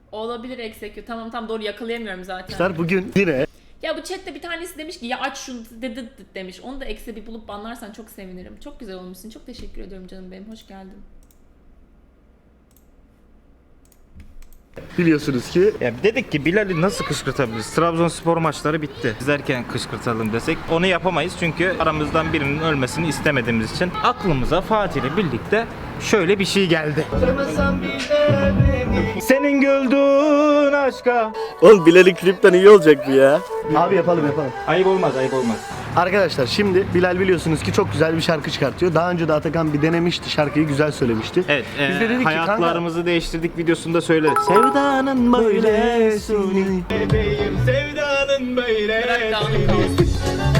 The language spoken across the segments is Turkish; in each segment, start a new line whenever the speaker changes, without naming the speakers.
Olabilir execute. Tamam doğru yakalayamıyorum zaten.
Bugün yine
Ya bu chatte bir tanesi demiş ki ya aç şunu dedi demiş. Onu da eksi bir bulup banlarsan çok sevinirim. Çok güzel olmuşsun. Çok teşekkür ediyorum canım benim. Hoş geldin.
biliyorsunuz ki
Ya dedik ki Bilal'i nasıl kışkırtabiliriz? Trabzonspor maçları bitti. İzlerken kışkırtalım desek onu yapamayız çünkü aramızdan birinin ölmesini istemediğimiz için aklımıza Fatih ile birlikte şöyle bir şey geldi. Senin güldüğün aşka.
oğlum Bilal'in klipten iyi olacak bu ya. Abi yapalım.
Ayıp olmaz.
Arkadaşlar şimdi Bilal biliyorsunuz ki çok güzel bir şarkı çıkartıyor. Daha önce de Atakan bir denemişti, şarkıyı güzel söylemişti.
Evet,
Biz de dedik ki
hayatlarımızı değiştirdik videosunda söyledi. Sevdanın böyle suni. Bebeğim sevdanın böyle.
Bırak dağınık kalsın.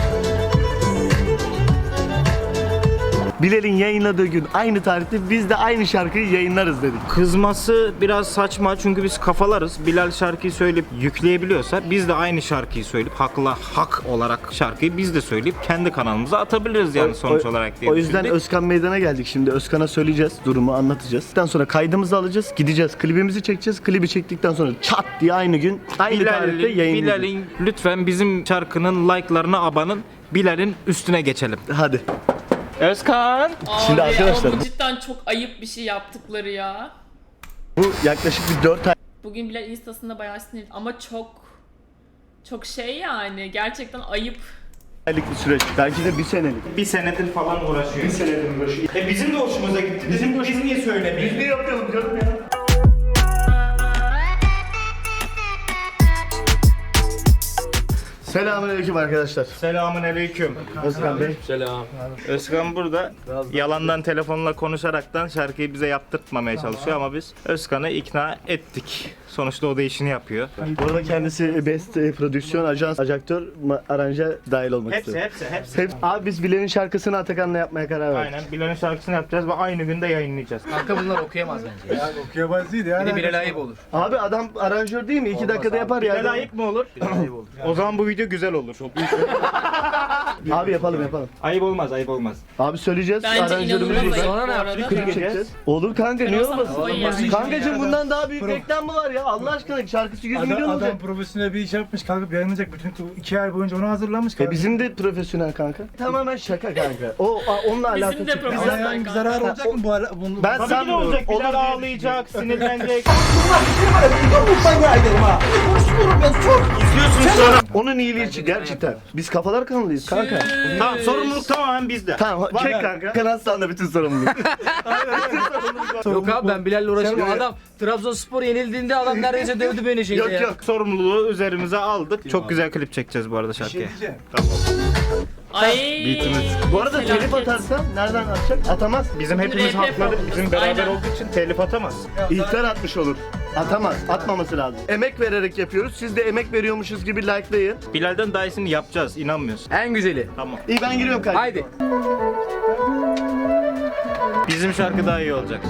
Bilal'in yayınladığı gün aynı tarihte biz de aynı şarkıyı yayınlarız dedik.
Kızması biraz saçma çünkü biz kafalarız. Bilal şarkıyı söyleyip yükleyebiliyorsa biz de aynı şarkıyı söyleyip hak olarak şarkıyı biz de söyleyip kendi kanalımıza atabiliriz yani sonuç olarak diye
O yüzden
düşündük.
Özkan Meydan'a geldik şimdi. Özkan'a söyleyeceğiz, durumu anlatacağız. Ondan sonra kaydımızı alacağız, gideceğiz, klibimizi çekeceğiz. Klibi çektikten sonra çat diye aynı gün, aynı tarihte yayınlayacağız.
Bilal'in lütfen bizim şarkının like'larına abanın. Bilal'in üstüne geçelim.
Hadi.
Özkan.
Şimdi
Abi,
arkadaşlar-
ama bu cidden çok ayıp bir şey yaptıkları ya.
Bu yaklaşık bir 4
Bugün Bilal instasında bayağı sinirli ama çok şey yani gerçekten ayıp.
aylık bir süreç. Belki de bir senelik.
Bir senedir falan uğraşıyor. Bir senedir uğraşıyor. Bizim de hoşumuza gitti. Biz niye söylemiyoruz?
Ne yapalım canım ya? Selamünaleyküm arkadaşlar.
Selamünaleyküm.
Özkan Bey.
Özkan burada yalandan telefonla konuşaraktan şarkıyı bize yaptırtmamaya çalışıyor ama biz Özkan'ı ikna ettik. Sonuçta o da işini yapıyor.
Burada kendisi Best Prodüksiyon, Ajans, Ajaktör, Aranje dahil olmak istiyor.
Hepsi.
Abi biz Bilal'in şarkısını Atakan'la yapmaya karar verdik.
Aynen. Bilal'in şarkısını yapacağız ve aynı günde yayınlayacağız.
Kanka bunlar okuyamaz bence.
Yani okuyamaz değil yani.
Bir de Bilal ayıp olur.
Abi adam aranjör değil mi? 2 dakikada yapar ya.
Bilal ayıp mı olur?
Ayıp olur.
O zaman bu video güzel olur.
Abi yapalım.
Ayıp olmaz.
Abi söyleyeceğiz.
Bence
aranjörümüz
inanılmaz
burada.
ayıp
Sonra
bu
ne
arada.
yapacağız?
Klip çekeceğiz. Olur kanka niye
Olmaz,
olmasın?
olmaz yani.
Kankacığım bundan daha büyük reklam mı var ya? Allah aşkına şarkısı 100 milyon
Adam
olacak.
profesyonel bir iş yapmış, kalkıp yayınlayacak. Bütün 2 ay boyunca onu hazırlamış.
Bizim de profesyonel kanka. Tamamen şaka kanka. Onunla
Bizim
alakası
de
yok.
profesyonel.
Ama yani bir zarar olacak mı bu ara? Bunu,
Ben
Tabii ki de
sanmıyorum.
olacak. Bilal
Olur.
ağlayacak, sinirlenecek.
Onun iyiliği için gerçekten. Biz kafalar kanalıyız kanka.
Tamam, sorumluluk tamamen bizde.
Tamam çek kanka. Kanal sağında bütün sorumluluk.
Yok abi ben Bilal'le uğraşamam.
Sen-
Adam Trabzonspor yenildiğinde adam neredeyse dövdü beni şeyde
Yok
ya.
yok.
Sorumluluğu üzerimize aldık. Çok güzel klip çekeceğiz bu arada
bir şey
şarkıya.
diyeceğim.
Ay.
Bu arada telif
Felaket.
atarsa nereden atacak? Atamaz.
Bizim hepimiz
RP
hakları
yapalım.
bizim beraber
Aynen.
olduğu için telif atamaz.
İhtar atmış olur. Atamaz. Atmaması lazım. Emek vererek yapıyoruz. Siz de emek veriyormuşuz gibi likelayın.
Bilal'den daha iyisini yapacağız, inanmıyorsun.
En güzeli.
Tamam.
İyi ben giriyorum kanka.
Haydi.
Bizim şarkı daha iyi olacak.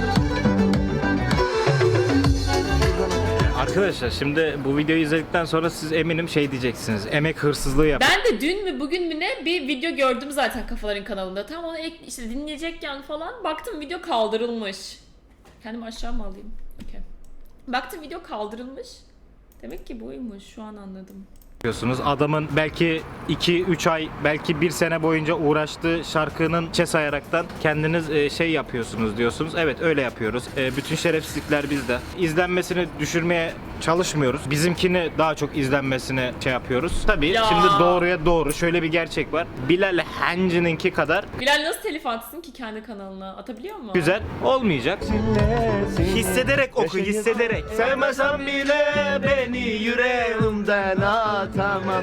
Arkadaşlar şimdi bu videoyu izledikten sonra siz eminim şey diyeceksiniz. Emek hırsızlığı yap.
Ben de dün mü bugün mü ne bir video gördüm zaten Kafaların kanalında. Tam onu işte dinleyecekken falan baktım video kaldırılmış. Kendimi aşağı mı alayım? Okey. Baktım video kaldırılmış. Demek ki buymuş, şu an anladım.
Yapıyorsunuz. Adamın belki 2-3 ay, belki 1 sene boyunca uğraştığı şarkının çe sayaraktan kendiniz şey yapıyorsunuz diyorsunuz. Evet öyle yapıyoruz. Bütün şerefsizlikler bizde. İzlenmesini düşürmeye çalışmıyoruz. Bizimkini daha çok izlenmesini şey yapıyoruz. Tabii
Ya.
şimdi doğruya doğru şöyle bir gerçek var. Bilal Hancı'nınki kadar
Bilal nasıl telif atsın ki kendi kanalına? Atabiliyor mu?
güzel olmayacak. Hissederek oku, hissederek.
Sevmesem bile beni yüreğimden atamam.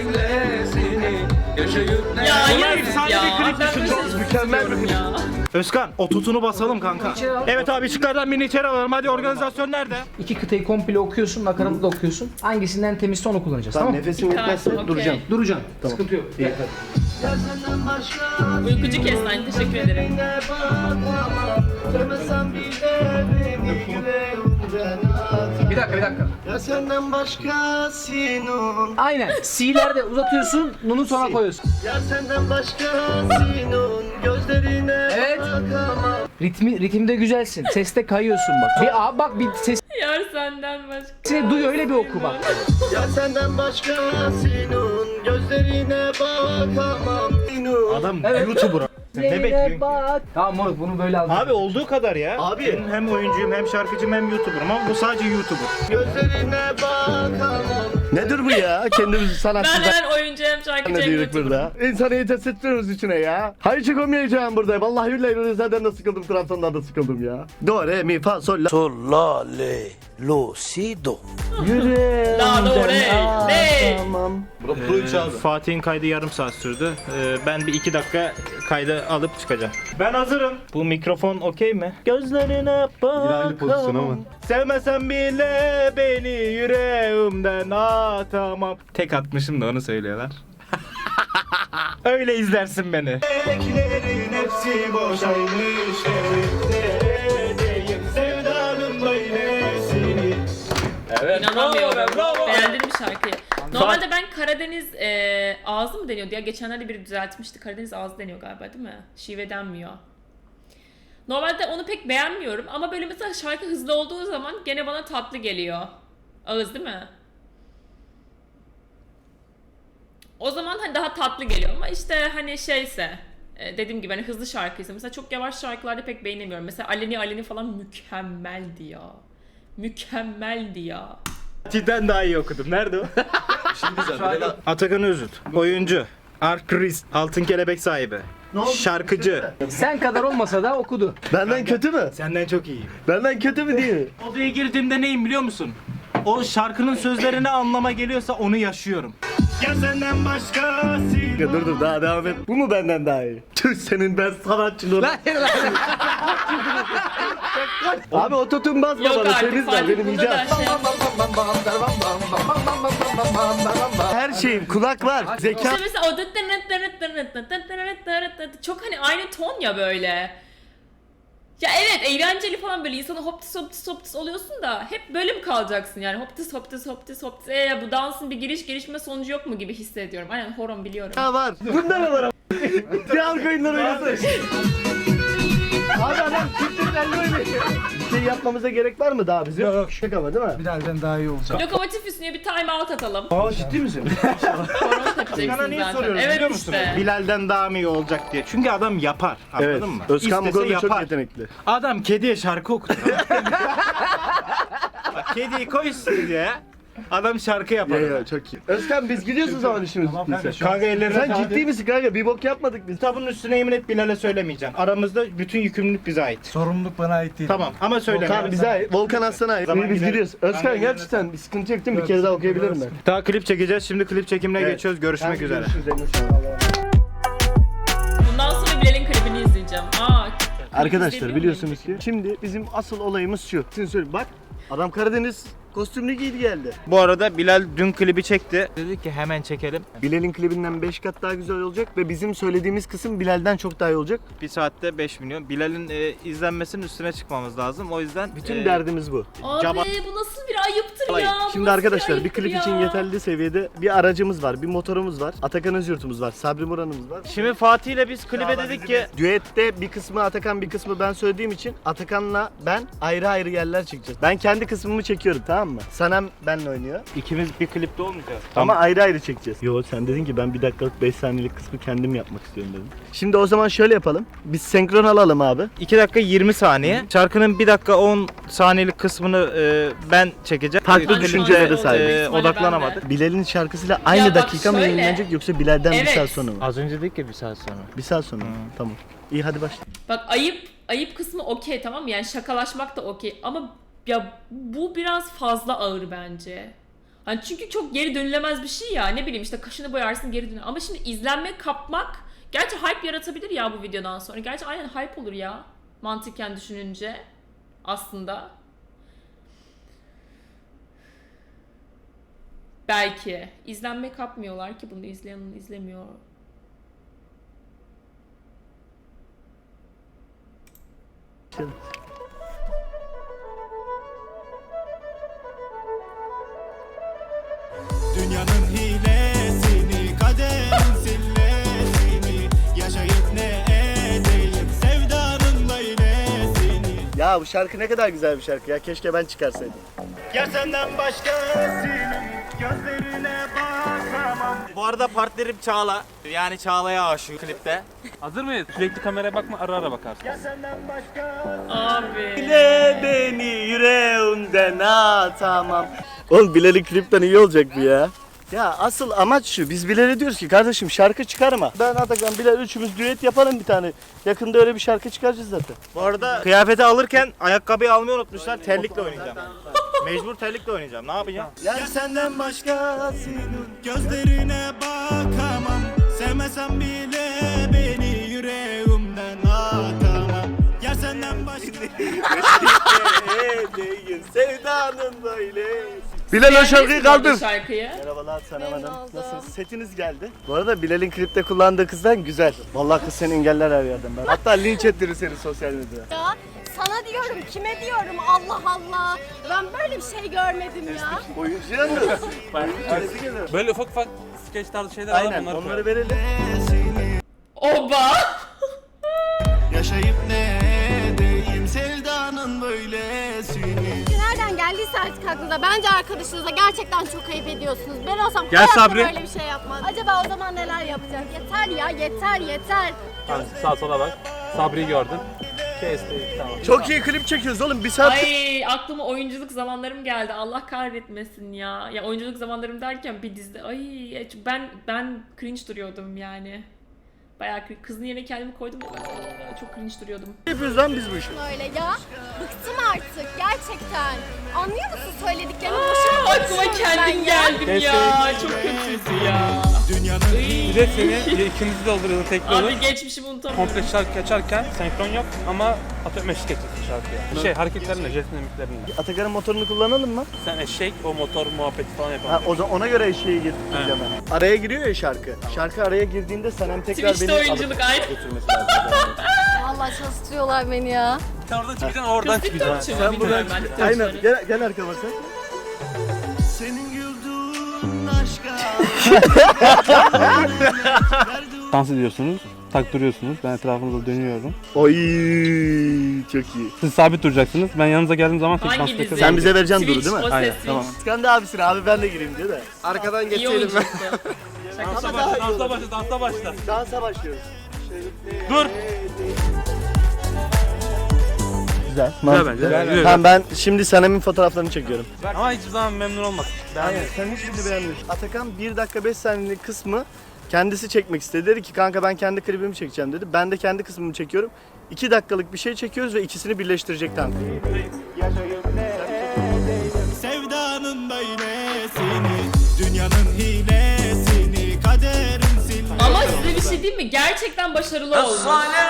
Ya
Buna
yazık
efsane
ya.
bir klip
Ben
düşün.
böyle
Çok
şey
mükemmel bir
istiyorum ya.
Özkan o tutunu basalım kanka.
İçeri al.
Evet abi şıklardan birini içeri alalım. Hadi organizasyon nerede?
2 kıtayı komple okuyorsun, nakaratı da okuyorsun. Hangisinden temizse onu kullanacağız tamam,
Tamam nefesim yetmezse
Tamam,
duracağım.
okey.
Duracaksın. Sıkıntı yok.
İyi.
Uykucu Kestan, teşekkür ederim.
Bir dakika.
Ya senden başkasının.
Aynen. C'lerde uzatıyorsun, nunu sona koyuyorsun.
Ya senden başkasının Gözlerine
Evet.
bakamam.
Ritimde güzelsin. Seste kayıyorsun bak. Bir sesini
Yar senden başka.
duy, öyle bir oku bak.
Ya senden başkasının gözlerine bakamam.
Adam
Evet.
YouTuber. Ne bekliyorsun ki?
Tamam moruk, bunu böyle al.
Abi olduğu kadar ya.
Abi.
Ben hem oyuncuyum hem şarkıcıyım hem YouTuber'ım ama bu sadece YouTuber.
Gözlerine bakamam. Nedir bu ya? Kendimizi
Ben
sanatçı
hemen oyuncu hem şarkıcı
ne
hem
diyorduk
YouTuber.
burada? İnsanı yetet ettiriyoruz içine ya. Hayır çıkamayacağım burada. Vallahi billahi zaten de sıkıldım. Trabzon'dan da sıkıldım ya. Do, re, mi, fa, sol, la.
Sol, la, le, lo, si, do.
Yüreğimden
La, do, re, re.
tamam.
Fatih'in kaydı yarım saat sürdü. Ben bir 2 dakika kaydı alıp çıkacağım. Ben hazırım. Bu mikrofon okey mi? Gözlerine bakamam. Sevmesem bile beni yüreğimden atamam. Tek atmışım da onu söylüyorlar. Öyle izlersin beni. Beklerin hepsi boşaymış. Sevdanın böylesini. Evet.
İnanamıyorum.
Bravo.
Beğendim bir şarkıyı. Normalde ben Karadeniz ağzı mı deniyordu ya? Geçenlerde biri düzeltmişti. Karadeniz ağzı deniyor galiba değil mi? Şive denmiyor. Normalde onu pek beğenmiyorum ama böyle mesela şarkı hızlı olduğu zaman gene bana tatlı geliyor. Ağız değil mi? O zaman hani daha tatlı geliyor ama işte hani şeyse dediğim gibi hani hızlı şarkıysa mesela çok yavaş şarkılarda pek beğenemiyorum. Mesela Aleni falan mükemmeldi ya. Mükemmeldi ya.
Fatih'ten daha iyi okudum. Nerede o? Atakan Özüt. Oyuncu. Arkrist. Altın kelebek sahibi. Şarkıcı.
Sen kadar olmasa da okudu.
Benden kötü mü?
Senden çok iyi.
Benden kötü mü değil mi?
Odaya girdiğimde neyim biliyor musun? O şarkının sözlerine anlama geliyorsa onu yaşıyorum. Ya senden başkası.
Ya dur daha devam et. Bu mu benden daha iyi? Tüh senin ben sanatçılığına. Abi ototun basma
Yok
bana.
artık
Temiz ver
Fatih
benim
bunda da
icat.
şey.
Her şeyim kulak var. Zeka.
İşte mesela o çok hani aynı ton ya böyle. Ya evet eğlenceli falan böyle insana hoptis hoptis hoptis oluyorsun da hep böyle mi kalacaksın yani hoptis hoptis hoptis hoptis bu dansın bir giriş gelişme sonucu yok mu gibi hissediyorum. Aynen horon biliyorum.
Ha var. Bunda ne var ama? Kral koyunları oynasın. Abi adam Türkçe'den böyle. Bir şey yapmamıza gerek var mı daha bizim?
Yok.
Şaka ama değil mi?
Bilal'den daha iyi olacak.
Lokomotif üstüne bir time out atalım.
Aa ciddi misin?
Horon tepacaksın
Sana niye
zaten.
soruyorum
Evet
biliyor musun?
işte.
Bilal'den daha mı iyi olacak diye. Çünkü adam yapar. Anladın
Evet.
mı?
Özkan bu
İstese
konuda çok
yapar.
yetenekli.
Adam kediye şarkı okutur. Bak, kediyi koy stüdyoya. Adam şarkı yapar.
Ya çok iyi. Özkan biz gidiyoruz o zaman işimiz
Tamam
bittiyse.
kanka, şu an-
Kanka ellerine
Sen
sağlık.
ciddi misin kanka? Bir bok yapmadık biz.
Kitabın üstüne yemin et Bilal'e söylemeyeceğim. Aramızda bütün yükümlülük bize ait.
Sorumluluk bana ait değil.
Tamam ama söyleme.
Tamam bize ait. Volkan Aslan'a ait.
Zaman
Biz
gidelim.
gidiyoruz. Özkan
Kanka,
gerçekten bir sıkıntı yok değil mi? Bir kere daha okuyabilirim ben.
Daha klip çekeceğiz. Şimdi klip çekimine
Evet.
geçiyoruz. Görüşmek
Hadi
üzere.
görüşürüz, eline sağlık.
Bundan sonra Bilal'in klibini izleyeceğim.
Arkadaşlar
İzlemiyor
biliyorsunuz ki şimdi bizim asıl olayımız şu. Şimdi söyleyeyim bak adam Karadeniz kostümlü giydi geldi.
Bu arada Bilal dün klibi çekti. Dedi ki hemen çekelim.
Bilal'in klibinden 5 kat daha güzel olacak ve bizim söylediğimiz kısım Bilal'den çok daha iyi olacak.
Bir saatte 5 milyon. Bilal'in izlenmesinin üstüne çıkmamız lazım. O yüzden
Bütün derdimiz bu.
Abi
Caba-
bu nasıl bir ayıptır ya? Bu
Şimdi
nasıl
arkadaşlar bir
ayıptır
klip
ya?
için yeterli seviyede bir aracımız var, bir motorumuz var, Atakan Özyurt'umuz var, Sabri Muran'ımız var.
Şimdi Fatih ile biz klibe dedik ki
Düette bir kısmı Atakan bir kısmı ben söylediğim için Atakan'la ben ayrı ayrı yerler çekeceğiz. Ben kendi kısmımı çekiyorum tamam mı? Sanem benle oynuyor.
ikimiz bir klipte olmayacağız.
Ama ayrı ayrı çekeceğiz. Yo sen dedin ki ben 1 dakikalık 5 saniyelik kısmı kendim yapmak istiyorum dedim. Şimdi o zaman şöyle yapalım. Biz senkron alalım abi.
2 dakika 20 saniye. Şarkının 1 dakika 10 saniyelik kısmını ben çekeceğim.
Farklı
Ben şu
düşüncelere
an
sahibiz.
İsmail'e
Odaklanamadık.
Bilal'in şarkısıyla aynı
Ya bak
dakika mı
şöyle.
yayınlanacak yoksa Bilal'den bir
Evet.
saat sonra mı?
Az önce dedik ya 1 saat sonra.
Bir saat sonra mı? Tamam. İyi hadi başla.
Bak ayıp kısmı okey tamam mı? Yani şakalaşmak da okey ama ya bu biraz fazla ağır bence. Hani çünkü çok geri dönülemez bir şey ya. Ne bileyim işte kaşını boyarsın geri dönüyor. Ama şimdi izlenme kapmak gerçi hype yaratabilir ya bu videodan sonra. Gerçi aynen hype olur ya. Mantıken düşününce aslında. Belki. İzlenme kapmıyorlar ki bunu izleyen izlemiyor.
Dünyanın hilesini, kaderin sillesini yaşayıp ne
Ya bu şarkı ne kadar güzel bir şarkı ya. Keşke ben çıkarsaydım.
Ya senden başkasının gözlerine bakamam. Bu arada partnerim Çağla. Yani Çağla'ya aşığı klipte.
Hazır mıyız? Sürekli kameraya bakma, ara ara bakarsın.
Abi.
Bile beni yüreğimden atamam. Oğlum Bilal'in klipten iyi olacak bu ya. Ya asıl amaç şu. Biz Bilal'e diyoruz ki kardeşim şarkı çıkarma. Ben Atakan, Bilal üçümüz düet yapalım bir tane. Yakında öyle bir şarkı çıkaracağız zaten.
Bu arada kıyafeti alırken ayakkabıyı almayı unutmuşlar. Terlikle oynayacağım. Mecbur terlikle oynayacağım. Ne yapacağım?
Ya senden başkasının
Gözlerine bakamam. Sevmesem bile beni yüreğimden atamam. Yer senden başka.
değil sevdanın böyle. Bilal o şarkıyı kaldır.
Şarkıyı.
Merhabalar Sanem Hanım. Nasılsınız? Setiniz geldi. Bu arada Bilal'in klipte kullandığı kızdan güzel. Vallahi kız seni engeller her yerden. Ben. Hatta linç ettirir seni sosyal medyada.
Ya sana diyorum, kime diyorum? Allah Allah. Ben böyle bir şey görmedim ya.
Oyuncu yalnız. Oyuncu geliyor.
Böyle ufak ufak skeç tarzı şeyler var,
Aynen
bunları
onları
koyalım.
verelim.
Oba.
Yaşayıp ne edeyim sevdanın böylesini.
Nereden geldiyse artık aklınıza. Bence arkadaşınıza gerçekten çok ayıp ediyorsunuz. Ben olsam
Gel
hayatta
Sabri.
böyle bir şey yapmam. Acaba o zaman neler yapacak? Yeter ya, yeter, yeter.
Tamam, sağa sola bak. Sabri'yi gördün. Kesti, tamam.
Çok iyi klip çekiyoruz oğlum. Bir saat.
Ay aklıma oyunculuk zamanlarım geldi. Allah kahretmesin ya. Ya oyunculuk zamanlarım derken bir dizide ay ben cringe duruyordum yani. Bayağı cringe. Kızın yerine kendimi koydum. Çok cringe duruyordum.
Ne yapıyoruz lan biz bu işi?
Öyle ya. Bıktım artık gerçekten. Anlıyor musun söylediklerimi? Boşuna
Aklıma
konuşuyorum ben
kendim
ya.
geldim ya. Çok kötüydü ya.
Bir de seni ikimizi dolduruyordu tekli olur.
Abi geçmişimi unutamıyorum.
Komple şarkı açarken senkron yok ama atıyorum eşlik edeceksin şarkıya. Şey hareketlerinde, jest mimiklerinde.
Atakan'ın motorunu kullanalım mı?
Sen eşek, o motor muhabbeti falan
Ha,
yapalım.
o zaman ona göre eşeği getireceğim ben. Araya giriyor ya şarkı. Şarkı araya girdiğinde Sanem tekrar
Twitch'te
beni
oyunculuk
alıp
aynı.
götürmesi lazım.
Vallahi çalıştırıyorlar beni ya.
Sen oradan çıkacaksın, oradan çıkacaksın.
Sen buradan aynen gel arkama sen.
Senin güldüğün aşka.
Dans ediyorsunuz, taktırıyorsunuz. Ben etrafınızda dönüyorum.
Oy çok iyi.
Siz sabit duracaksınız. Ben yanınıza geldiğim zaman tek dans
Hangi dizi?
takacağım.
Sen bize vereceksin duru
Switch,
değil mi?
o ses
Aynen,
Switch.
tamam.
Skandı abisine abi ben de gireyim diyor da. Arkadan
İyi oyunculuktu.
Dansa başla, dansa başla, dansa başla.
Dansa başlıyoruz.
Dur.
Güzel.
Güzel bence. Güzel.
Tamam ben şimdi Sanem'in fotoğraflarını çekiyorum.
Ama hiçbir zaman memnun olmasın.
Aynen sen hiçbirini beğenmiyorsun. Atakan 1 dakika 5 saniyelik kısmı kendisi çekmek istedi. Dedi ki kanka ben kendi klibimi çekeceğim dedi. Ben de kendi kısmımı çekiyorum. 2 dakikalık bir şey çekiyoruz ve ikisini birleştirecek kanka.
Sevdanın böylesini. Dünyanın hilesini. Kaderin sil.
Ama size bir şey diyeyim mi? Gerçekten başarılı olmuş.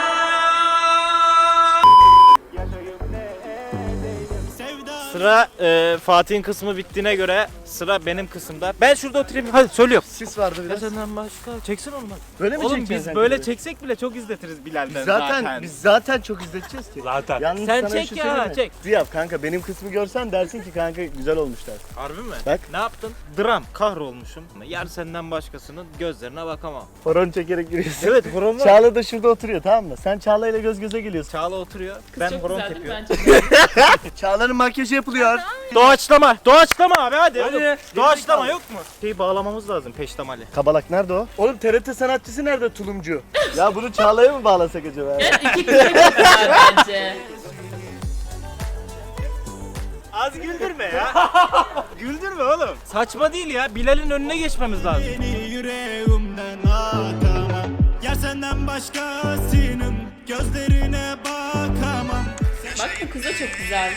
Sıra Fatih'in kısmı bittiğine göre sıra benim kısımda. Ben şurada oturayım. Hadi söylüyorum.
Sis vardı biraz.
Senden başka çeksin onu.
Böyle mi
Oğlum
çekeceksin
biz
sen
böyle
klibi?
çeksek bile çok izletiriz Bilal'den
Biz zaten çok izleteceğiz ki.
Zaten.
Yalnız
Sen
sana
çek
şu
ya,
söyleyeyim mi?
çek.
Ziyaf kanka benim kısmı görsen dersin ki kanka güzel olmuşlar.
Harbi mi?
Bak.
Ne yaptın? Dram. Kahrolmuşum. Yar senden başkasının gözlerine bakamam.
Horon çekerek giriyorsun.
Evet horon var.
Çağla da şurada oturuyor tamam mı? Sen Çağla ile göz göze geliyorsun.
Çağla oturuyor.
Kız
ben
çok
horon
güzel değil mi?
tepiyorum.
Bence de.
Çağla'nın makyajı yapılıyor.
Doğaçlama. Doğaçlama abi hadi.
Hadi.
Doğaçlama yok mu? Şeyi bağlamamız lazım peştemali.
Kabalak nerede o? Oğlum TRT sanatçısı nerede tulumcu? Ya bunu Çağla'ya mı bağlasak acaba?
Evet, iki kısa çok güzel bence.
Az güldürme ya. Güldürme oğlum. Saçma değil ya. Bilal'in önüne geçmemiz lazım.
Beni yüreğimden atamam. Yer senden başkasının. Gözlerine bakamam.
Bak bu kız da çok güzel.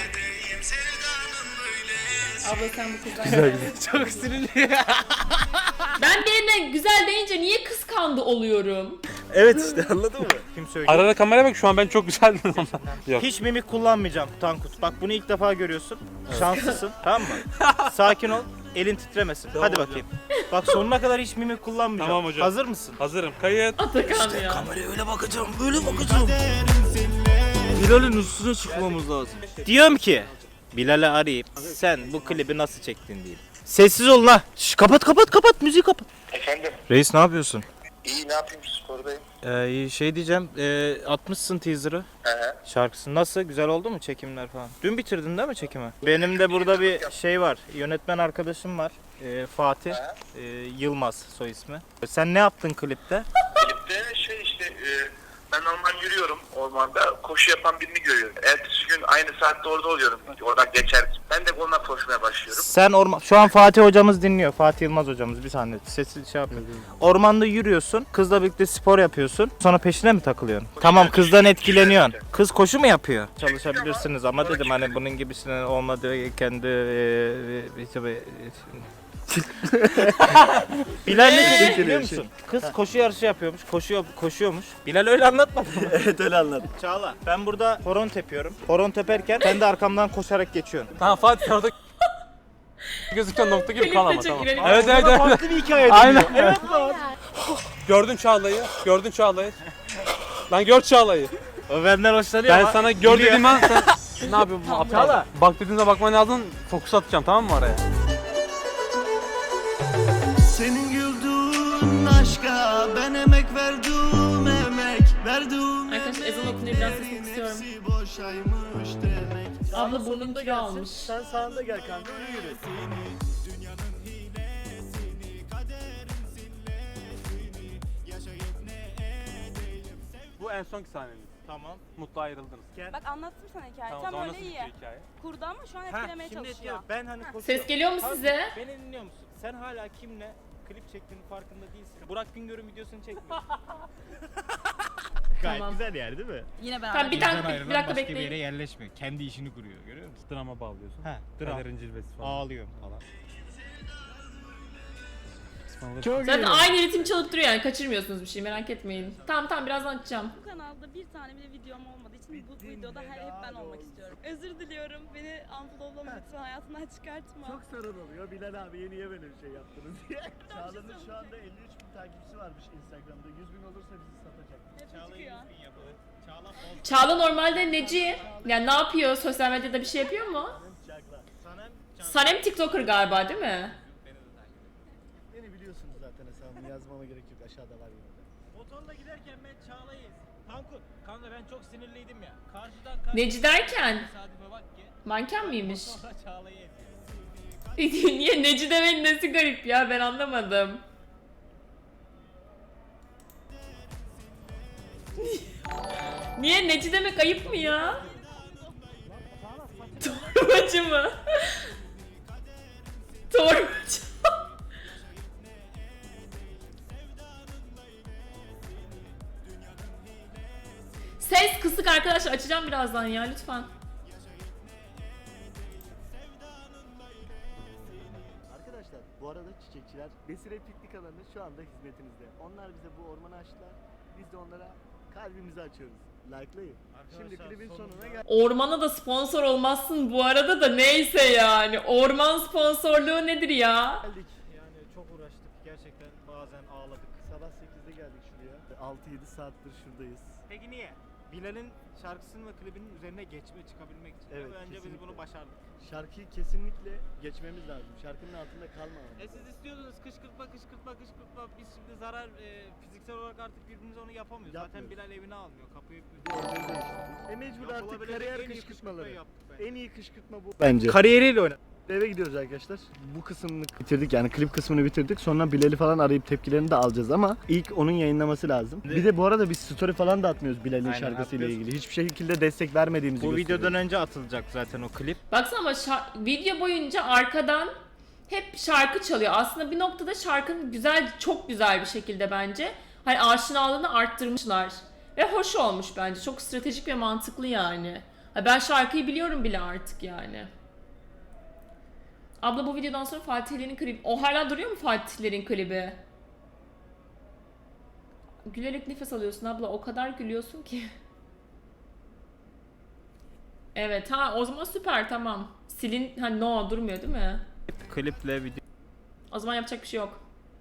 Abla sen bu kızdan
Çok sinirli.
Ben birine güzel deyince niye kıskandı oluyorum?
Evet işte anladın mı? Kim söylüyor?
Ara ara kameraya bak, şu an ben çok güzeldim ama. Yok.
Hiç mimik kullanmayacağım Tankut. Bak bunu ilk defa görüyorsun. Şanslısın tamam mı? Sakin ol. Elin titremesin. Hadi bakayım. Bak sonuna kadar hiç mimik kullanmayacağım.
Tamam hocam.
Hazır mısın?
Hazırım. Kayıt.
Atakan ya.
Kameraya öyle bakacağım, böyle bakacağım.
Bilal'in üstüne çıkmamız lazım. Diyorum ki Bilal'i arayıp sen bu klibi nasıl çektin diyeyim. Sessiz ol la. Şş, kapat müziği kapat.
Efendim?
Reis ne yapıyorsun?
İyi ne yapayım spordayım.
Şey diyeceğim, atmışsın teaser'ı. Şarkısı nasıl? Güzel oldu mu çekimler falan? Dün bitirdin değil mi çekimi? Benim de burada bir şey var. Yönetmen arkadaşım var. Fatih. Yılmaz soy ismi. Sen ne yaptın klipte?
Klipte şey işte ben normal yürüyorum ormanda, koşu yapan birini görüyorum. Ertesi gün aynı saatte orada oluyorum. Oradan geçer. Ben de onunla koşmaya başlıyorum.
Sen şu an Fatih hocamız dinliyor. Fatih Yılmaz hocamız, bir saniye sesi şey yapıyor. Ormanda yürüyorsun, kızla birlikte spor yapıyorsun. Sonra peşine mi takılıyorsun? Tamam, kızdan etkileniyorsun. Kız koşu mu yapıyor? Çalışabilirsiniz ama dedim hani bunun gibisinin olmadığı kendi Bilal ne dedi biliyor musun? Kız koşu yarışı yapıyormuş, koşuyormuş. Bilal öyle anlatmadı mı?
Evet öyle anladım.
Çağla, ben burada horon tepiyorum. Horon teperken sen de arkamdan koşarak geçiyorsun.
Tamam Fatih orada gözüken nokta gibi kal ama
Klipte
tamam.
çekilelim.
Evet evet evet.
Farklı bir hikaye
Aynen.
Evet.
Gördün Çağla'yı. Gördün Çağla'yı. Lan gör Çağla'yı.
O benden hoşlanıyor
Ben
ama
sana gör
biliyor.
dediğim an sen ne yapıyorsun?
Tamam.
Çağla. Bak dediğinde bakman lazım. Fokus atacağım tamam mı oraya?
Senin güldüğün aşka ben emek verdim, emek verdim.
Arkadaşlar ezan okunuyor, biraz sesini istiyorum.
Hepsi boşaymış demek.
Abla burnum kilo almış.
Sen sağında gel kanka, yürü.
Dünyanın hilesini, kaderin sillesini, yaşayıp ne edeyim.
Bu en sonki sahneniz.
Tamam.
Mutlu ayrıldınız.
Bak anlattım sana hikayeyi.
Tamam,
Tam
zaman
öyle
nasıl
iyi.
bitiyor hikaye?
Kurdu ama şu an etkilemeye çalışıyor.
Ben hani koşuyorum.
Ses geliyor mu
Kanka,
size?
Beni dinliyor musun? Sen hala kimle klip çektiğinin farkında değilsin. Burak Güngör'ün videosunu çekmiyorsun.
Gayet Tamam.
güzel yer değil mi?
Yine
Tamam bir dakika bekleyin.
yerleşmiyor. Kendi işini kuruyor. Görüyor musun?
Drama bağlıyorsun.
He, dram.
Kaderin cilvesi falan.
Ağlıyorum falan.
Zaten aynı ritim çalıp duruyor yani, kaçırmıyorsunuz bir şey, merak etmeyin. Tamam birazdan açacağım.
Bu kanalda bir tane bile videom olmadığı için bu videoda hep ben olmak istiyorum. Özür diliyorum. Beni unfollowlama lütfen, hayatından çıkartma.
Çok sorun oluyor. Bilal abi niye böyle bir şey yaptınız diye. Çağla'nın şu anda 53 bin takipçisi varmış Instagram'da. 100 bin olursa bizi satacak.
Hep çıkıyor.
Çağla normalde neci? Yani ne yapıyor? Sosyal medyada bir şey yapıyor mu?
Çakla.
Sanem TikToker galiba değil mi?
Beni biliyorsunuz zaten, hesabımı yazmama gerek yok. Aşağıda var yine de.
Motorla giderken ben Çağla'yı Kanka ben çok sinirliydim ya. Karşıdan
Neci derken?
tesadüfe bak ki.
Manken miymiş?
Sonra Çağla'yı eziyor.
Niye neci demenin nesi garip ya, ben anlamadım. Niye neci demek ayıp mı ya? Torbacı mı? Torbacı. Ses kısık arkadaşlar, açacağım birazdan ya lütfen.
Arkadaşlar bu arada çiçekçiler Besire Piknik Alanı şu anda hizmetinizde. Onlar bize bu ormanı açtılar. Biz de onlara kalbimizi açıyoruz. Like'layın. Şimdi klibin sonuna geldik.
Ormana da sponsor olmazsın bu arada da, neyse yani. Orman sponsorluğu nedir ya?
Yani çok uğraştık. Gerçekten bazen ağladık.
Sabah 8'de geldik şuraya. 6-7 saattir şuradayız.
Peki niye? Bilal'in şarkısının ve klibinin üzerine çıkabilmek için.
Evet,
Ve önce biz
kesinlikle.
bunu başardık.
Şarkıyı kesinlikle geçmemiz lazım. Şarkının altında kalmamamız.
Siz istiyordunuz kışkırtma. Biz şimdi zarar fiziksel olarak artık birbirimize onu yapamıyoruz. Zaten
Yapmıyoruz.
Bilal evine almıyor. Kapıyı
Mecbur artık
Yapılabilecek
kariyer
en iyi
kışkırtmaları.
kışkırtmayı yaptık bence.
En iyi kışkırtma bu. Bence.
Kariyeriyle oynadık.
Eve gidiyoruz arkadaşlar. Bu kısmını bitirdik, yani klip kısmını bitirdik. Sonra Bilal'i falan arayıp tepkilerini de alacağız ama ilk onun yayınlaması lazım. Bir de bu arada biz story falan da atmıyoruz Bilal'in
Aynen,
şarkısıyla
atmıyoruz.
ilgili. Hiçbir şekilde destek vermediğimizi
Bu
gösteriyoruz.
videodan önce atılacak zaten o klip.
Baksana ama video boyunca arkadan hep şarkı çalıyor. Aslında bir noktada şarkının güzel, çok güzel bir şekilde bence hani aşinalığını arttırmışlar. Ve hoş olmuş bence. Çok stratejik ve mantıklı yani. Ha, ben şarkıyı biliyorum bile artık yani. Abla bu videodan sonra Fatihlerin klibi... O hala duruyor mu Fatihlerin klibi? Gülerek nefes alıyorsun abla. O kadar gülüyorsun ki. Evet ha, o zaman süper, tamam. Silin, ha no durmuyor değil mi?
Kliple
O zaman yapacak bir şey yok.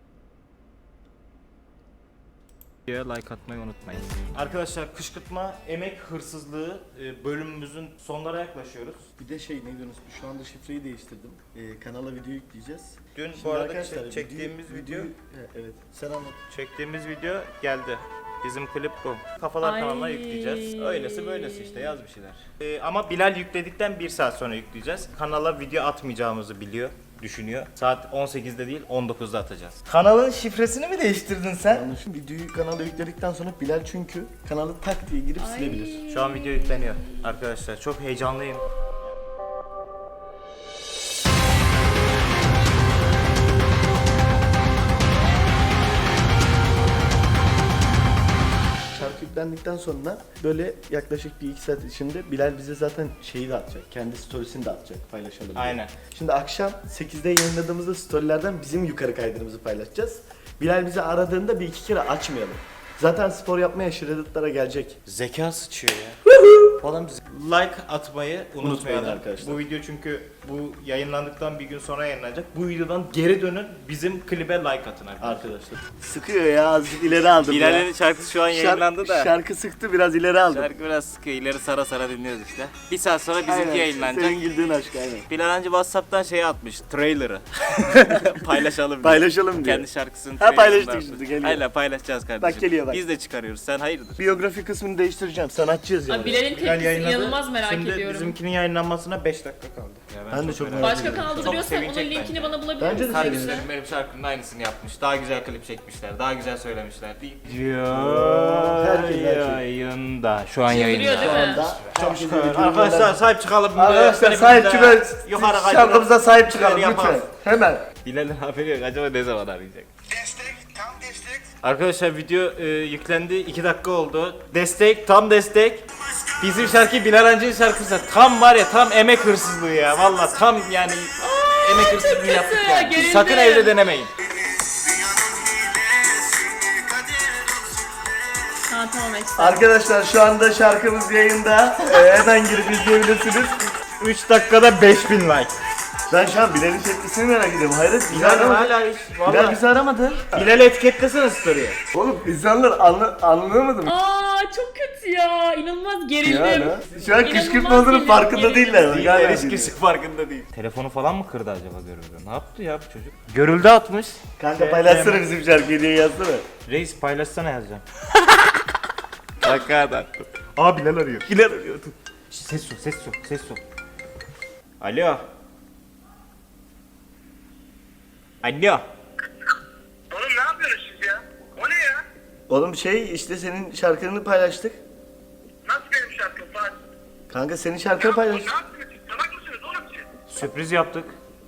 videoya like atmayı unutmayın. Arkadaşlar kışkırtma, emek hırsızlığı bölümümüzün sonlara yaklaşıyoruz.
Bir de şey, ne diyorsunuz? Şu anda şifreyi değiştirdim. Kanala video yükleyeceğiz.
Dün
Şimdi
bu arada
arkadaşlar,
çektiğimiz video
evet. Sen anlat.
çektiğimiz video geldi. Bizim klip bu. Kafalar
Ay.
kanalına yükleyeceğiz. Öylesi böylesi işte yaz bir şeyler. Ama Bilal yükledikten 1 saat sonra yükleyeceğiz. Kanala video atmayacağımızı düşünüyor. Saat 18'de değil 19'da atacağız. Kanalın şifresini mi değiştirdin sen?
Yanlışım videoyu kanala yükledikten sonra Bilal çünkü kanalı tak diye girip silebilir.
Şu an video yükleniyor arkadaşlar. Çok heyecanlıyım.
Şarkı yüklendikten sonra böyle yaklaşık bir 2 saat içinde Bilal bize zaten şeyi de atacak. Kendi storiesini de atacak, paylaşalım diye.
Aynen.
Şimdi akşam 8'de yayınladığımızda storylerden bizim yukarı kaydırımızı paylaşacağız. Bilal bizi aradığında bir iki kere açmayalım. Zaten spor yapmaya Shredded'lara gelecek.
Zeka sıçıyor ya. Falan like atmayı unutmayın
arkadaşlar.
Bu video çünkü bu yayınlandıktan bir gün sonra yayınlanacak. Bu videodan geri dönün bizim klibe like atın
Arkadaşlar. Sıkıyor ya, azıcık ileri aldım ya.
Bilal'in şarkısı şu an yayınlandı da.
Şarkı sıktı, biraz ileri aldım.
Şarkı biraz sıkıyor. İleri sara sara dinliyoruz işte. Bir saat sonra bizimki
Aynen,
yayınlanacak.
Senin güldüğün aşk aynen.
Bilal anca WhatsApp'tan şey atmış. Trailer'ı. Paylaşalım diye.
Paylaşalım diyor.
Kendi şarkısını.
Ha, paylaştık
trailer'ını
şimdi,
atmış.
geliyor.
Aynen paylaşacağız kardeşim.
Bak geliyor bak.
Biz de çıkarıyoruz. Sen hayırdır?
Biyografi kısmını değiştireceğim. Sanatçıyız ya.
Ay, Bilal'in tepkisi inanılmaz merak
Şimdi
ediyorum.
bizimkinin yayınlanmasına 5 dakika kaldı. Ya
Ben de çok merak
Başka
ediyorum.
kanalda
Çok
duruyorsa onun
sevinecek
linkini
bence.
bana bulabilir
Bence de
misin?
Kardeşlerim benim şarkımın aynısını yapmış. Daha güzel klip çekmişler. Daha güzel söylemişler değil.
Herkes.
Yayında. Şu an
Duruyor
yayında.
değil mi?
Çok şükür.
Arkadaşlar sahip çıkalım.
Arkadaşlar sahip çıkın.
Yukarı kaydıralım.
Şarkımıza sahip çıkalım
Şöyle
lütfen.
yapalım.
Hemen.
Bilal'in haberi yok. Acaba ne zaman arayacak?
Destek, tam destek.
Arkadaşlar video yüklendi. 2 dakika oldu. Destek, tam destek. Bizim şarkı Bilal Hancı'nın şarkısı. Tam var ya, tam emek hırsızlığı ya. Valla tam yani emek hırsızlığı
kötü,
yaptık yani.
gerildim.
Sakın evde denemeyin.
Ha tamam ekstra.
Arkadaşlar şu anda şarkımız yayında. Hemen girip izleyebilirsiniz.
3 dakikada 5000 like.
Ben şu an Bilal'in tepkisini merak ediyorum. Hayret Bilal
Bilal
aramadı.
hala hiç.
Bilal
Valla.
bizi aramadı.
Bilal'i etiketlesene story'e.
Oğlum insanlar anlamadı mı?
Aa çok kötü ya. İnanılmaz gerildim.
Yani. Şu an
İnanılmaz
kışkırtma olduğunun
gerildim,
farkında
gerildim.
değiller. Galiba
Hiç
değil.
kimse farkında değil. Telefonu falan mı kırdı acaba görüldü? Ne yaptı ya bu çocuk? Görüldü atmış.
Kanka paylaşsana bizim şarkıyı diye yazsana.
Reis paylaşsana yazacağım. Hakikaten. Aa Bilal arıyor. Bilal arıyor. Ses su. Alo. Alo.
Oğlum ne yapıyorsunuz siz ya? O ne ya?
Oğlum şey işte senin şarkını paylaştık.
Nasıl benim şarkım Fatih?
Kanka senin şarkını
Ne
paylaştık.
yapıyorsunuz? Salak mısınız oğlum siz?
Sürpriz yaptık.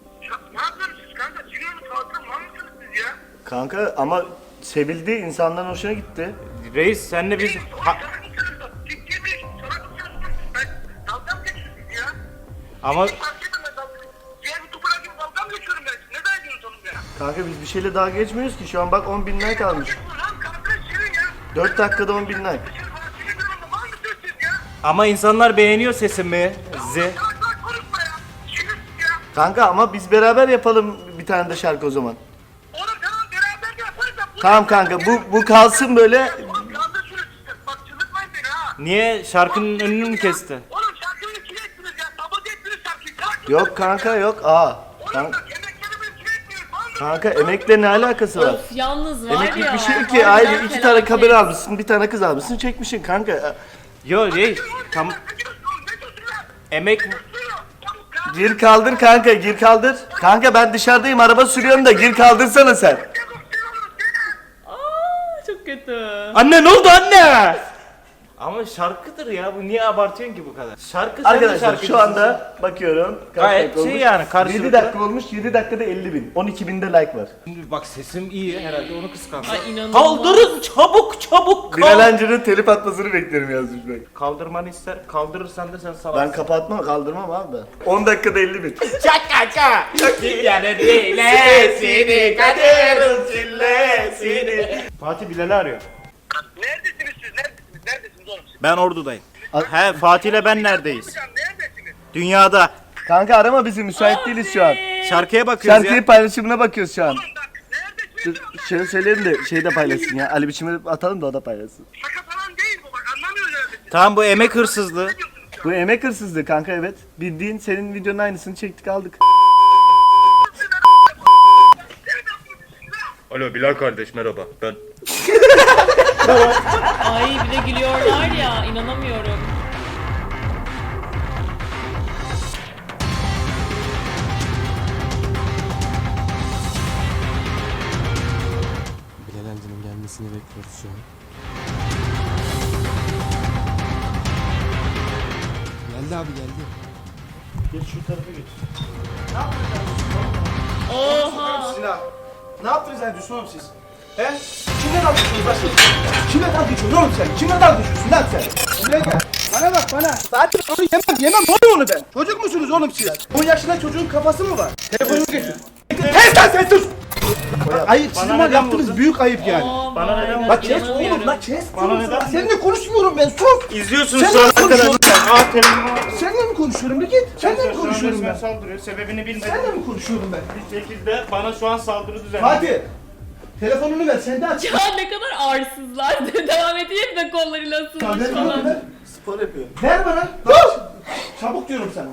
Ne yapıyorsunuz siz kanka? Çıkıyor mu kalkın? Var mısınız siz ya?
Kanka ama sevildi, insanların hoşuna gitti.
Reis senle biz...
Oğlum salak mısınız? Ciddi mi? Salak mısınız? Ben dalga mı geçiyorsunuz ya?
Ama
Fark ettim ben dalga. Diğer YouTuber'lar gibi dalga mı geçiyorum ben? Ne derdiniz oğlum ya?
Kanka biz bir şeyle daha geçmiyoruz ki. Şu an bak 10.000 like almış.
Lan kanka senin ya.
4 dakikada 10.000 like.
Dışarı bana sinir durumda var mısınız siz ya?
ama insanlar beğeniyor sesimi.
Salak konuşma ya. Sinirsiz ya.
Kanka ama biz beraber yapalım bir tane de şarkı o zaman.
Oğlum tamam beraber de yaparız da.
Tamam kanka bu kalsın böyle.
Oğlum kaldır şunu siz. Bak çıldırtmayın beni ha.
Niye? Şarkının önünü mü kesti?
Oğlum şarkıyı kime ettiniz ya? Sabote ettiniz şarkıyı. Kalk
Yok kanka yok. Aa.
Oğlum
Kanka,
bak emeklerimi kime ettiniz? Var mı?
kanka emekle ne alakası var?
Of yalnız var
Emeklilik
ya.
bir şey yok ki.
harbiden
Ayrı 2 tane
felaket.
kamera almışsın, bir tane kız almışsın, çekmişsin kanka.
Yo reis. Tam
Ne diyorsun oğlum? Ne diyorsun lan?
emek...
Suyuyor. Çabuk kalk.
Gir kaldır kanka, gir kaldır. Kanka ben dışarıdayım, araba sürüyorum da gir kaldırsana sen.
Çabuk suyuyoruz seni.
Aa çok kötü.
Anne ne oldu anne? Ama şarkıdır ya, bu niye abartıyorsun ki bu kadar? Şarkı sen de
Arkadaşlar
şarkıcısın.
şu anda bakıyorum. kaç
Gayet
dakika
şey
olmuş?
yani, karşılıklı.
7 dakika olmuş, 7 dakikada 50.000. 12.000'de like var.
Şimdi bak sesim iyi herhalde onu kıskandı.
Ay inanılmaz.
Kaldırın çabuk
Bilal Hancı'nın telif atmasını beklerim yazmış bak.
Kaldırmanı ister, kaldırırsan da sen
Ben
salaksın.
kapatmam, kaldırmam abi ben. 10 dakikada 50.000.
Çaka yani dilesini kaderin sillesini. Fatih Bilal'i arıyor.
Neredesiniz siz? Neredesiniz oğlum siz?
Ben Ordu'dayım. He Fatih'le ben neredeyiz?
Hocam neredesiniz?
Dünyada.
Kanka arama bizi, müsait değiliz şu an.
Şarkıya bakıyoruz
Şarkıyı
ya.
paylaşımına bakıyoruz şu an.
Bak neredesiniz?
Şey söyleyelim de şey de paylaşsın ya. Ali biçimi atalım da o da paylaşsın.
Şaka falan değil bu bak anlamıyor neredesiniz?
Tamam bu emek hırsızlığı.
Ne diyorsunuz şu an?
Bu emek hırsızlığı kanka, evet. Bildiğin senin videonun aynısını çektik aldık.
Alo Bilal kardeş merhaba ben.
Ay bir de gülüyorlar ya, inanamıyorum.
Bilal amcanın gelmesini bekliyoruz şu an. Geldi abi geldi.
Geç şu tarafa geç.
Oha.
Ne yaptınız lan Düşman oğlum siz? He? Kimle dalga geçiyorsun lan siz? Kimle dalga geçiyorsun oğlum sen? Kimle dalga geçiyorsun lan sen? Buraya gel. Bana bak bana. Zaten onu yemem. Ne oluyor onu ben? Çocuk musunuz oğlum siz? 10 yaşında çocuğun kafası mı var? Telefonumu getir. Kes lan sen sus! Ayıp, sizin var yaptığınız büyük ayıp yani.
Oh
Bana
my
neden
God,
Bak kes
inanamıyorum.
oğlum, la kes.
Bana neden?
Seninle konuşmuyorum ben, sus!
İzliyorsunuz
Sen
sonra
ne konuşuyorsun? Seninle mi konuşuyorum bir git. Seninle mi konuşuyorum ben?
saldırıyor. Sebebini bilmedim.
Seninle mi konuşuyorum ben?
Bir şekilde bana şu an saldırı düzenliyor.
Fatih! Telefonunu ver, sen de aç.
Ya ne kadar arsızlar. Devam edeyim de kollarıyla ısınmış
Telefonunu
falan.
ver.
Spor yapıyorum.
Ver bana. Çabuk diyorum sana.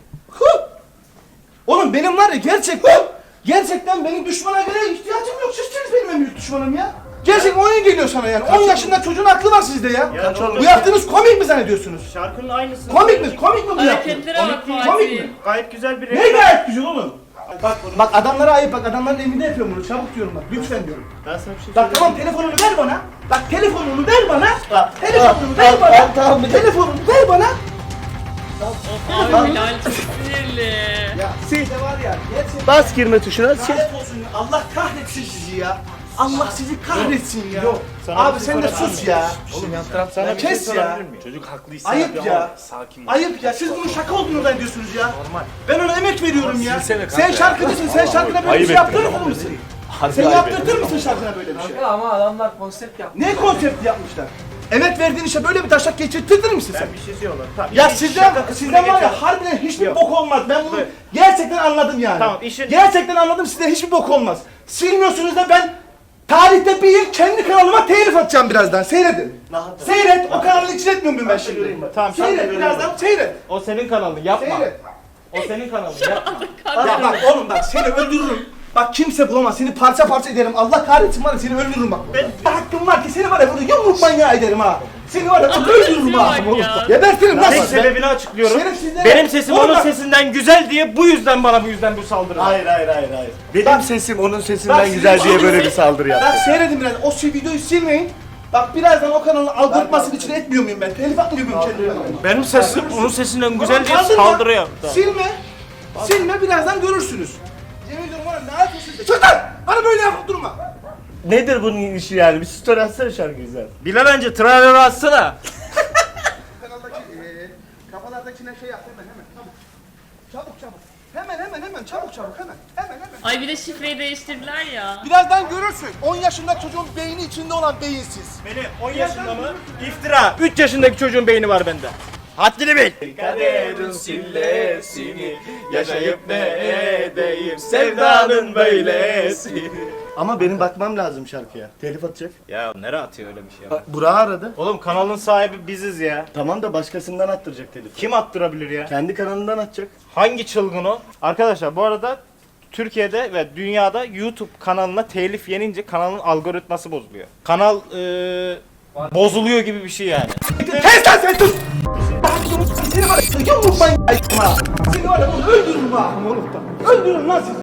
Oğlum benim var ya gerçekten benim düşmana göre ihtiyacım yok. Sizsiniz benim en büyük düşmanım ya. Gerçekten oyun geliyor sana yani. 10 yaşında çocuğun aklı var sizde ya.
Kaç oldu?
Bu yaptığınız komik mi zannediyorsunuz?
Şarkının aynısı.
Komik mi? Komik mi bu yaptığınız?
Hareketlere bak
Komik
Fatih.
mi?
Gayet güzel bir
Ne gayet güzel oğlum. Bak adamlara ayıp, bak adamların evinde yapıyorum bunu. Çabuk diyorum bak. Lütfen diyorum.
Ben sana bir şey
Bak tamam telefonunu ver bana. Bak telefonunu ver bana. Telefonunu ver bana. Telefonunu ver bana.
Abi Bilal çok sinirli.
Ya siz de var ya gerçekten
Bas girme tuşuna. Sil.
lanet olsun ya. Allah kahretsin sizi ya. Allah sizi kahretsin ya.
Sana
Abi
bir şey
sen de
sorabilir
sus
miyim?
ya.
Oğlum yan taraf sana
Ya
bir şey
kes ya.
sorabilir miyim? Çocuk haklı
Ayıp ya.
Sakin ol.
Ayıp ya. Siz bunun şaka olduğunu zannediyorsunuz ya.
Normal.
Ben ona emek veriyorum ya.
silsene kanka
Sen
ya.
şarkıcısın. Sen şarkına böyle bir şey yaptırır mısın? Sen yaptırtır mısın şarkına böyle bir şey?
Kanka ama adamlar konsept yapmış.
Ne konsepti yapmışlar? Emek verdiğin işe böyle bir taşak geçirtirdin misin sen?
Ben bir şey diyorlar. Tamam.
Ya
işin
sizden
şaka kısmına
var ya
geçelim.
harbiden hiçbir
Yok.
bok olmaz. Ben bunu
Evet.
gerçekten anladım yani.
Tamam, işin-
Gerçekten anladım, sizden hiçbir bok olmaz. Silmiyorsunuz da ben tarihte bir yıl kendi kanalıma telif atacağım birazdan. Seyredin. Seyret. O kanalı hiç etmiyor muyum ben şimdi?
Tamam, sen de
Seyret
görüyorum.
birazdan seyret.
O senin kanalın yapma.
Seyret.
O senin kanalın yapma.
Ya bak oğlum bak seni öldürürüm. Bak kimse bulamaz. Seni parça parça ederim. Allah kahretsin var ya seni öldürürüm bak. Ben hakkım var ki seni var ya burada yumruk manyağı ederim ha. Seni var ya burada öldürürüm ha.
Bak ya.
Gebertirim lan.
Tek
bak.
sebebini açıklıyorum.
Şerefsizler.
Benim sesim
Oğlum
onun
bak.
sesinden güzel diye bu yüzden bana bu saldırı.
Hayır. Benim
Bak-
sesim onun
Bak
sesinden
sizin
güzel diye böyle
sesiniz-
bir saldırı
Bak
yaptı.
seyredin biraz. O videoyu silmeyin. Bak birazdan o kanalın algoritmasını içine etmiyor muyum ben? Telif atmıyor muyum kendi kanalıma?
Benim sesim onun sesinden güzel diye
Kaldırma.
saldırı yaptı.
Silme. Silme birazdan görürsünüz. Yemin ediyorum var ya ne yapıyorsunuz? Çık lan! Bana böyle yapıp durma.
Nedir bunun işi yani? Bir story atsana şarkı güzel.
Bilal önce trailer'ı atsana.
Kanaldaki kafalardakine şey yap hemen çabuk. Hemen çabuk hemen.
Ay bir de şifreyi değiştirdiler ya.
Birazdan görürsün. 10 yaşında çocuğun beyni içinde olan beyinsiz.
Benim 10 yaşında mı? İftira. 3 yaşındaki çocuğun beyni var bende. Haddini bil.
Kaderin sillesini yaşayıp ne edeyim sevdanın böylesi. Ama benim bakmam lazım şarkıya. Telif atacak.
Ya nereye atıyor öyle bir şey?
Burak'ı aradı.
Oğlum kanalın sahibi biziz ya.
Tamam da başkasından attıracak telif.
Kim attırabilir ya?
Kendi kanalından atacak.
Hangi çılgın o? Arkadaşlar bu arada Türkiye'de ve dünyada YouTube kanalına telif yenince kanalın algoritması bozuluyor. Kanal bozuluyor gibi bir şey yani.
Kes lan sen sus! Seni var ya yumruk manyağı ha. Seni var ya öldürürüm ha. Öldürürüm lan sizi.